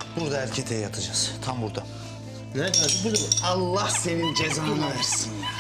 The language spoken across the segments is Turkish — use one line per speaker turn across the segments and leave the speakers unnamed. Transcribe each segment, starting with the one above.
Burada erkete yatacağız. Tam burada.
Nerede? Burada mı?
Allah senin cezanı versin ya.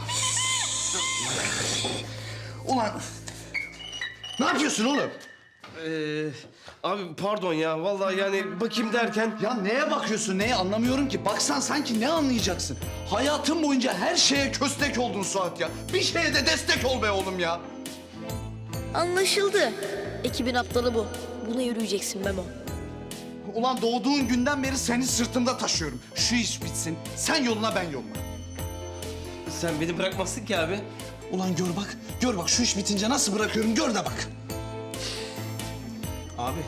Ulan ne yapıyorsun oğlum?
Abi pardon ya. Vallahi yani bakayım derken...
Ya neye bakıyorsun, neye anlamıyorum ki. Baksan sanki ne anlayacaksın? Hayatın boyunca her şeye köstek oldun Suat ya. Bir şeye de destek ol be oğlum ya.
Anlaşıldı. Ekibin aptalı bu. Buna yürüyeceksin Memo.
Ulan doğduğun günden beri seni sırtımda taşıyorum. Şu iş bitsin, sen yoluna ben yoluma.
Sen beni bırakmazsın ki abi.
Ulan gör bak şu iş bitince nasıl bırakıyorum gör de bak.
Abi.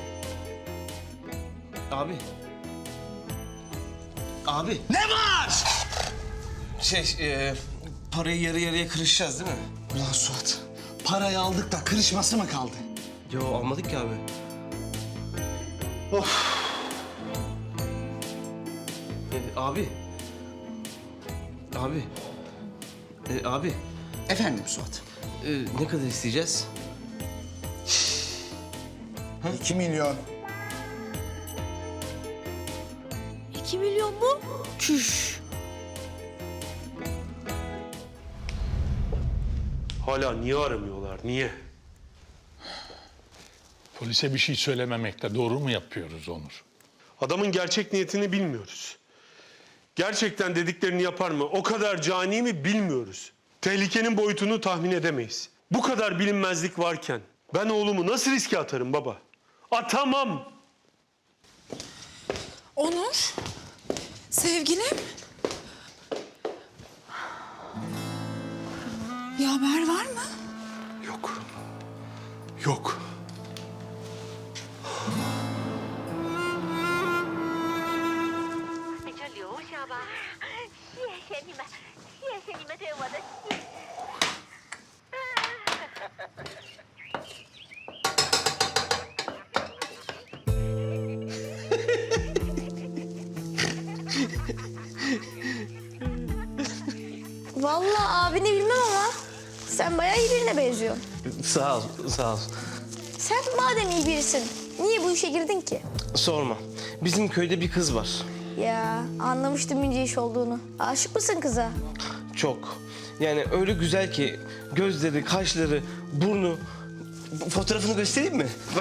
Abi. Abi.
Ne var?
Parayı yarı yarıya kırışacağız değil mi?
Ulan Suat, parayı aldık da kırışması mı kaldı?
Yo almadık ki abi.
Of.
Abi. Abi. Abi.
Efendim Suat?
Ne kadar isteyeceğiz?
2 milyon.
2 milyon mu? Çüş.
Hala niye aramıyorlar, niye?
Polise bir şey söylememekte doğru mu yapıyoruz Onur?
Adamın gerçek niyetini bilmiyoruz. Gerçekten dediklerini yapar mı, o kadar cani mi bilmiyoruz. Tehlikenin boyutunu tahmin edemeyiz. Bu kadar bilinmezlik varken ben oğlumu nasıl riske atarım baba? Atamam.
Onur, sevgilim. Bir haber var mı?
Yok. Yok.
你就留下吧。谢谢你们，谢谢你们对我的信。
Vallahi abini bilmem ama sen bayağı iyi birine benziyorsun.
Sağ ol, sağ ol.
Sen madem iyi birisin, niye bu işe girdin ki?
Sorma. Bizim köyde bir kız var.
Ya anlamıştım ince iş olduğunu. Aşık mısın kıza?
Çok. Yani öyle güzel ki gözleri, kaşları, burnu. Fotoğrafını göstereyim mi? Bak.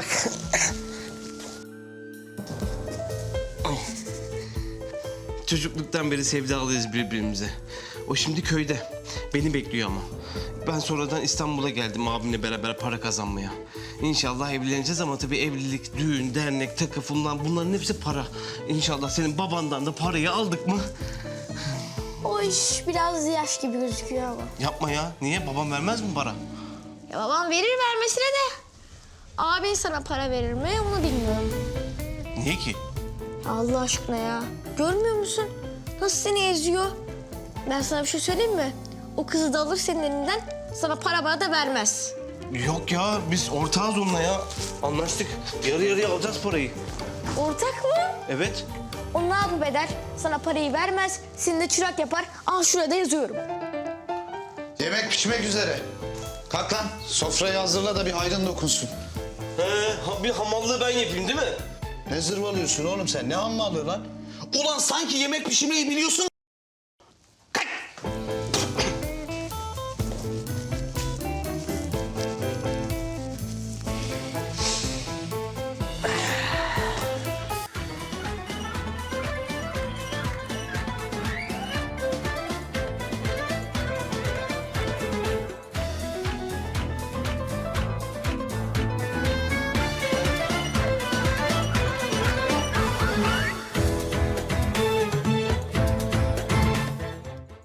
Ay. Çocukluktan beri sevdalıyız birbirimize. O şimdi köyde. Beni bekliyor ama. Ben sonradan İstanbul'a geldim abimle beraber para kazanmaya. İnşallah evleneceğiz ama tabii evlilik, düğün, dernek, takı falan bunların hepsi para. İnşallah senin babandan da parayı aldık mı?
O iş biraz yaş gibi gözüküyor ama.
Yapma ya. Niye? Babam vermez mi para?
Ya babam verir vermesine de. Abin sana para verir mi onu bilmiyorum.
Niye ki?
Allah aşkına ya. Görmüyor musun? Nasıl seni eziyor? Ben sana bir şey söyleyeyim mi? O kızı da alır senin elinden, sana para bana da vermez.
Yok ya, biz ortağız onunla ya. Anlaştık. Yarı yarıya alacağız parayı.
Ortak mı?
Evet.
O ne yapıp eder? Sana parayı vermez, seni de çırak yapar. Al şurada yazıyorum.
Yemek pişmek üzere. Kalk lan, sofrayı hazırla da bir hayrın dokunsun.
Bir hamallığı ben yapayım değil mi?
Ne zırvalıyorsun oğlum sen? Ne hammallığı lan? Ulan sanki yemek pişirmeyi biliyorsun.